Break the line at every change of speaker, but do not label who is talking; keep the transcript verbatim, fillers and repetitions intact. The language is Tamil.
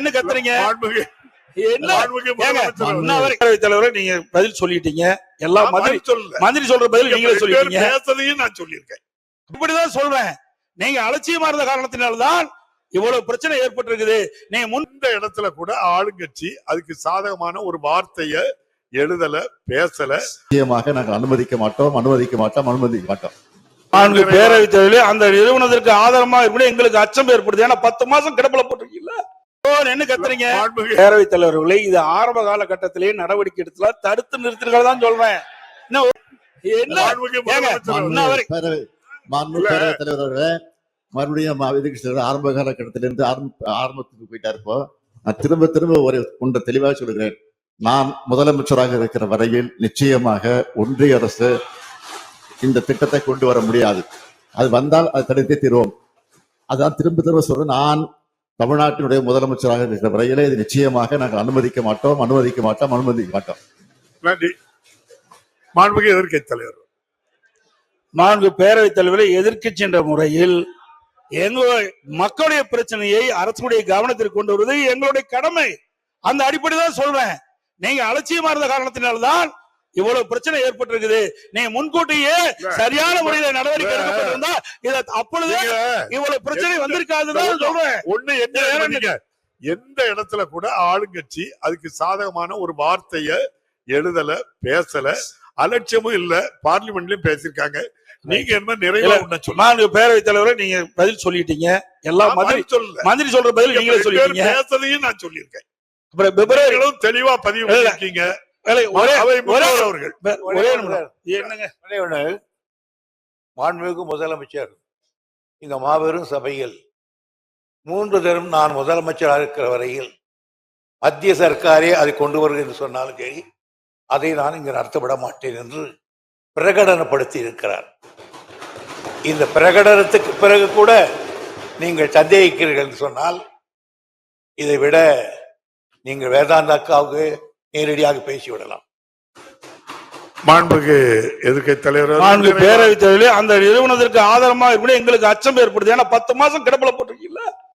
என்ன கத்துறீங்க?
தலைவரை நீங்க பதில் சொல்லிட்டீங்க. எல்லா மந்திரி மந்திரி சொல்ற பதில் நீங்களே சொல்லிட்டீங்க.
நான் சொல்லியிருக்கேன்.
இப்படிதான் சொல்றேன். நீங்க அலட்சியமா இருந்த காரணத்தினால்தான் இவ்வளவு பிரச்சனை ஏற்பட்டிருக்குது. நீங்க
முந்த இடத்துல கூட ஆளுங்கட்சி அதுக்கு சாதகமான ஒரு வார்த்தைய எழுதல, பேசல.
நிச்சயமாக நாங்கள் அனுமதிக்க மாட்டோம், அனுமதிக்க மாட்டோம், அனுமதிக்க மாட்டோம்.
நான்கு பேரவைத் தலைவர்களே அந்த நிறுவனத்திற்கு ஆதரமா இருப்பது எங்களுக்கு அச்சம் ஏற்படுது. ஏன்னா பத்து மாசம் கிடப்பில போட்டிருக்கீங்களா? என்ன கத்துறீங்க? பேரவைத் தலைவர்களை இது ஆரம்ப காலகட்டத்திலேயே நடவடிக்கை எடுத்துல தடுத்து நிறுத்திருக்கிறதா தான் சொல்றேன்.
பேரவைத் தலைவர்களே மறுபடியும் ஆரம்ப காலகட்டத்திலிருந்து ஆரம்பத்துக்கு போயிட்டா இருப்போ நான் திரும்ப திரும்ப ஒரு ஒன்றை தெளிவாக சொல்கிறேன். நான் முதலமைச்சராக இருக்கிற வரையில் நிச்சயமாக ஒன்றிய அரசு இந்த திட்டத்தை கொண்டு வர முடியாது. அது வந்தால் அதை தடுத்தே தீர்வோம். அதான் திரும்ப திரும்ப சொல்றேன். நான் தமிழ்நாட்டினுடைய முதலமைச்சராக இருக்கிற வரையிலே இது நிச்சயமாக நாங்கள் அனுமதிக்க மாட்டோம், அனுமதிக்க மாட்டோம், அனுமதிக்க மாட்டோம்.
நன்றி. மாண்புமிகு எதிர்க்கட்சி தலைவர்.
நான்கு பேரவைத் தலைவரை எதிர்க்கட்சி என்ற முறையில் எங்களுடைய மக்களுடைய பிரச்சனையை அரசுடைய கவனத்திற்கு கொண்டு வருவது எங்களுடைய கடமை. அந்த அடிப்படைதான் சொல்றேன். நீங்க அலட்சியமா இருந்த காரணத்தினால்தான் இவ்வளவு பிரச்சனை ஏற்பட்டிருக்குது. நீங்க முன்கூட்டியே சரியான முறையில் நடவடிக்கை எடுக்கப்பட்டிருந்தா இத அப்பொழுது இவ்வளவு பிரச்சனை வந்திருக்காதுதான் சொல்றேன்.
ஒண்ணு என்ன, எந்த இடத்துல கூட ஆளுங்கட்சி அதுக்கு சாதகமான ஒரு வார்த்தைய எழுதல, பேசல, அலட்சியமும் இல்ல. பார்லிமெண்ட்லயும் பேசிருக்காங்க. நீங்க என்ன நிறைய
நான்கு பேரவைத் தலைவரை நீங்க பதில் சொல்லிட்டீங்க. எல்லா மந்திரி சொல்ல மந்திரி சொல்ற பதில் நீங்களே சொல்லிட்டீங்க.
பேசதையும் நான் சொல்லியிருக்கேன்.
அப்புறம் பிப்ரவரியிலும்
தெளிவா பதிவு பண்ணிருக்கீங்க.
மாண்புமிகு முதலமைச்சர் இந்த மாபெரும் சபையில் மூன்று தரம் நான் முதலமைச்சராக இருக்கிற வரையில் மத்திய சர்க்காரே அதை கொண்டு வருகிறது என்று சொன்னாலும் சரி, அதை நான் இங்கு நடத்தப்பட மாட்டேன் என்று பிரகடனப்படுத்தி இருக்கிறார். இந்த பிரகடனத்துக்கு பிறகு கூட நீங்கள் சந்தேகிக்கிறீர்கள் என்று சொன்னால் இதை விட நீங்கள் வேதாந்தாக்காவுக்கு நேரடியாக பேசிவிடலாம்.
மாண்புமிகு எதிர்க்கட்சி தலைவர்.
நான்கு பேரவைத் தலைவர்களே அந்த நிறுவனத்திற்கு ஆதரமா இருப்பது எங்களுக்கு அச்சம் ஏற்படுது. ஏன்னா பத்து மாசம் கிடப்பில போட்டிருக்கீங்களா?